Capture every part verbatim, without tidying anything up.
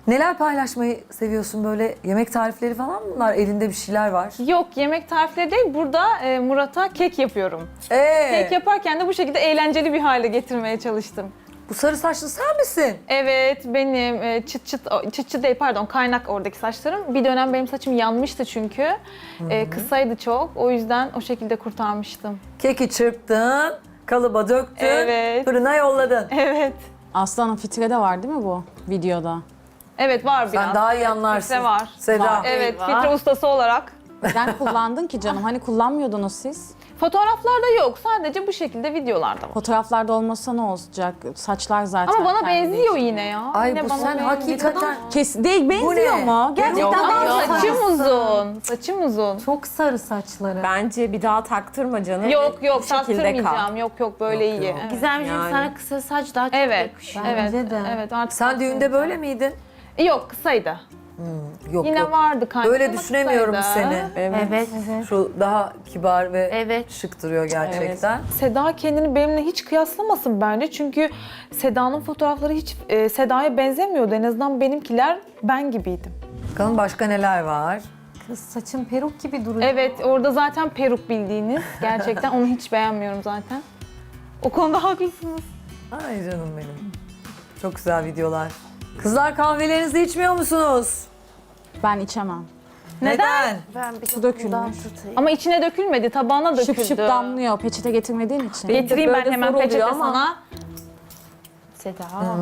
Neler paylaşmayı seviyorsun böyle? Yemek tarifleri falan mı bunlar? Elinde bir şeyler var. Yok, yemek tarifleri değil. Burada e, Murat'a kek yapıyorum. Ee, Kek yaparken de bu şekilde eğlenceli bir hale getirmeye çalıştım. bu sarı saçlı sen misin? Evet, benim e, çıt çıt, o, çıt çıt değil pardon, kaynak oradaki saçlarım. Bir dönem benim saçım yanmıştı çünkü. E, kısaydı çok. O yüzden o şekilde kurtarmıştım. Keki çırptın, kalıba döktün, Evet. fırına yolladın. Evet. Aslanın fitre de var değil mi bu videoda? Evet, var biraz. Sen daha iyi anlarsın. Filtre var. Seda. Var. Evet, Eyvah. filtre ustası olarak. Neden kullandın ki canım? Hani kullanmıyordunuz siz? Fotoğraflarda yok. Sadece bu şekilde videolarda var. Fotoğraflarda olmasa ne olacak? Saçlar zaten. Ama bana kendi benziyor değişiyor. yine ya. Ay Yine bu bana sen benziyor. hakikaten... Kes değil benziyor ne? mu? Gerçekten Yok, Ama yok. saçım uzun. Saçım uzun. Çok sarı saçları. Bence bir daha taktırma canım. Yok yok, Bu şekilde taktırmayacağım. kal. Yok yok, böyle Yok, iyi. yok. Evet. Gizemciğim Yani. sana kısa saç daha çok Evet, yakışıyor. evet, Bence de. evet. Artık Sen düğünde böyle miydin? Yok, kısaydı. Yok Yine yok. vardı kaynak Böyle ama düşünemiyorum kısaydı. seni. Evet. Evet. Şu daha kibar ve Evet. şık duruyor gerçekten. Seda kendini benimle hiç kıyaslamasın bence. Çünkü Seda'nın fotoğrafları hiç e, Seda'ya benzemiyordu. En azından benimkiler ben gibiydim. Bakalım başka neler var? Kız saçın peruk gibi duruyor. Evet, orada zaten peruk bildiğiniz. Gerçekten onu hiç beğenmiyorum zaten. O konuda haklısınız. Ay canım benim. Çok güzel videolar. Kızlar kahvelerinizi içmiyor musunuz? Ben içemem. Neden? Ben bir Su dökülmüş. Ama içine dökülmedi, tabağına döküldü. Şıp şıp damlıyor peçete getirmediğin için. Getireyim ben Böyle hemen zor oluyor peçete ama. sana. Seda.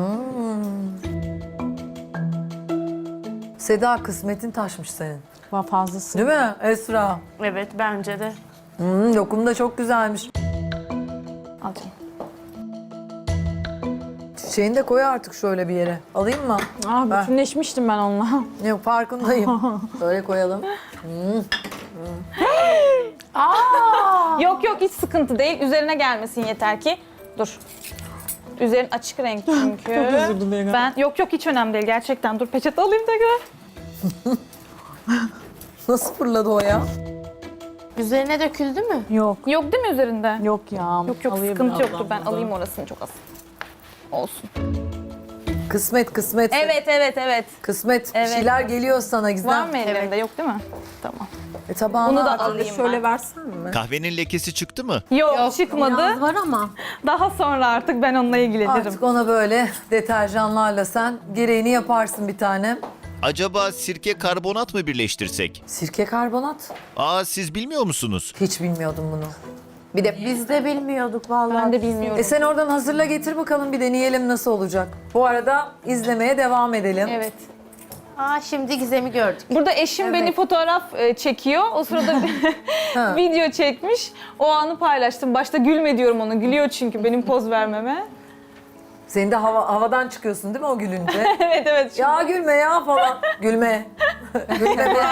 Seda kısmetin taşmış senin. Var fazlası. Değil mi Esra? Evet bence de. Hmm, lokum da çok güzelmiş. Al canım. Çiçeğini de koy artık şöyle bir yere. Alayım mı? Ah Ben- bütünleşmiştim ben onunla. Yok farkındayım. Böyle koyalım. Yok yok, hiç sıkıntı değil. Üzerine gelmesin yeter ki. Dur. Üzerin açık renk çünkü. Çok özür dilerim. Ben yok yok, hiç önemli değil gerçekten. Dur peçete alayım tekrar. Nasıl fırladı o ya? Üzerine döküldü mü? Yok. Yok değil mi üzerinde? Yok ya. Yok yok, Alayım sıkıntı birazdan yoktur. Ben buradan. alayım orasını çok az. Olsun. Kısmet kısmet. Evet evet evet. Kısmet. Evet. Bir şeyler geliyor sana Gizem. Var mı ellerinde? Yok değil mi? Tamam. E, tabağına Bunu da at. alayım Şöyle ben. versen mi? Kahvenin lekesi çıktı mı? Yok, çıkmadı. Biraz var ama. Daha sonra artık ben onunla ilgilenirim. Artık ona böyle deterjanlarla sen gereğini yaparsın bir tane. Acaba sirke karbonat mı birleştirsek? Sirke karbonat. Aa, siz bilmiyor musunuz? Hiç bilmiyordum bunu. Bir de Biz de bilmiyorduk vallahi. Ben de bilmiyorum. e sen oradan hazırla getir bakalım bir deneyelim nasıl olacak. Bu arada izlemeye devam edelim. Evet. Aa şimdi Gizem'i gördük. Burada eşim beni fotoğraf e, çekiyor. O sırada Ha. video çekmiş. O anı paylaştım. Başta gülme diyorum ona. Gülüyor çünkü benim poz vermeme. Senin de hava, havadan çıkıyorsun değil mi o gülünce? Evet evet. Ya gülme ya falan. Gülme. Gülme be.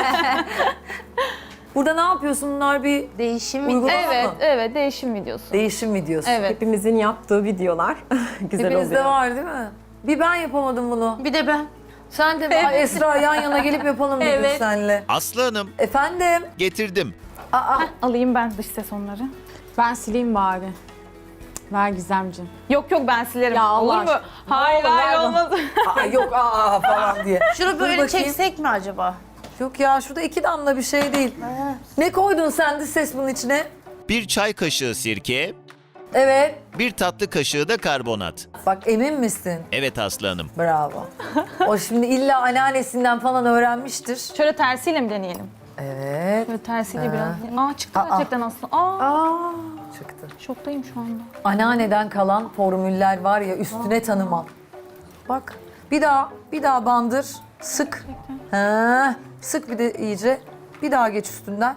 Burada ne yapıyorsun? Bunlar bir Değişim uygulama Evet, mı? evet, değişim videosu. Değişim videosu. Evet. Hepimizin yaptığı videolar. Güzel Hepinizde oluyor. var değil mi? Bir ben yapamadım bunu. Bir de ben. Sen de Ay, Esra yan yana gelip yapalım dedik Evet. seninle. Aslı Hanım, Efendim? getirdim. Aa, Alayım ben dış ses onları. Ben sileyim bari. Ver Gizemciğim. Yok yok, ben silerim. Ya Allah Olur mu? aşkına. Hayır Ne olur, hayır ver olmaz. aa, yok aa falan diye. Şunu Dur böyle bakayım. çeksek mi acaba? Yok ya şurada iki damla bir şey değil. Ne koydun sen de ses bunun içine? Bir çay kaşığı sirke, Evet. bir tatlı kaşığı da karbonat. Bak emin misin? Evet Aslı Hanım. Bravo. O şimdi illa anneannesinden falan öğrenmiştir. Şöyle tersiyle mi deneyelim? Evet. Böyle tersiyle Ha. biraz. Aa çıktı Aa. gerçekten aslında. Aa, Çıktı. şoktayım şu anda. Anneanneden kalan formüller var ya üstüne tanıma. Bak bir daha bir daha bandır sık. Ha, sık bir de iyice. Bir daha geç üstünden.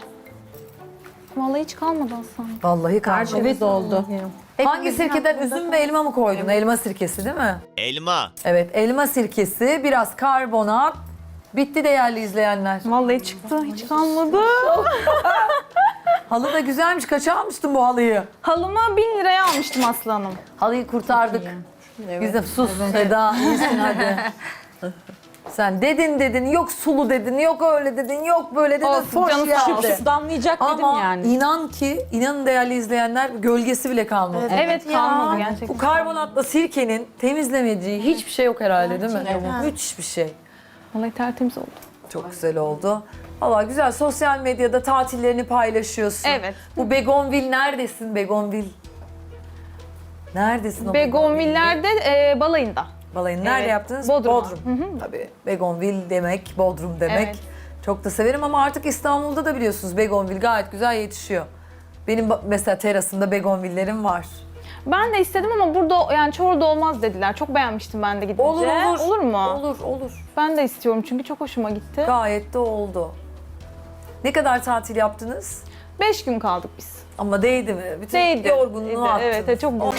Vallahi hiç kalmadı aslında. Vallahi karşı. Evet oldu. Hangi sirkeden üzüm ve elma mı koydun? Elma sirkesi değil mi? Elma. Evet elma sirkesi, biraz karbonat. Bitti değerli izleyenler. Vallahi çıktı, hiç kalmadı. Halı da güzelmiş. Kaça almıştın bu halıyı? Halımı bin liraya almıştım Aslı Hanım. Halıyı kurtardık. Güzel sus Seda. İyisin hadi. Sen dedin dedin, yok sulu dedin, yok öyle dedin, yok böyle dedin. Olsun, Hoş canı sağ geldi. olsun. Su damlayacak dedim Ama yani. inan ki, inanın değerli izleyenler gölgesi bile kalmadı. Evet, ya. kalmadı gerçekten. Bu karbonatla sirkenin temizlemediği hiçbir şey yok herhalde değil mi? Evet. Müthiş bir şey. Vallahi tertemiz oldu. Çok güzel oldu. Valla güzel. Sosyal medyada tatillerini paylaşıyorsun. Evet. Bu Begonvil neredesin Begonvil? Neredesin o Begonvillerde e, balayında. Balayını nerede Evet, yaptınız? Bodrum. Tabii Begonvil demek, Bodrum demek. Evet. Çok da severim ama artık İstanbul'da da biliyorsunuz Begonvil gayet güzel yetişiyor. Benim ba- mesela terasımda Begonvillerim var. Ben de istedim ama burada yani Çorlu'da olmaz dediler. Çok beğenmiştim ben de gidince. Olur olur. Olur mu? Olur olur. Ben de istiyorum çünkü çok hoşuma gitti. Gayet de oldu. Ne kadar tatil yaptınız? Beş gün kaldık biz. Ama değdi mi? Bütün Değdi. yorgunluğu Değdi, attınız. evet, çok güzel.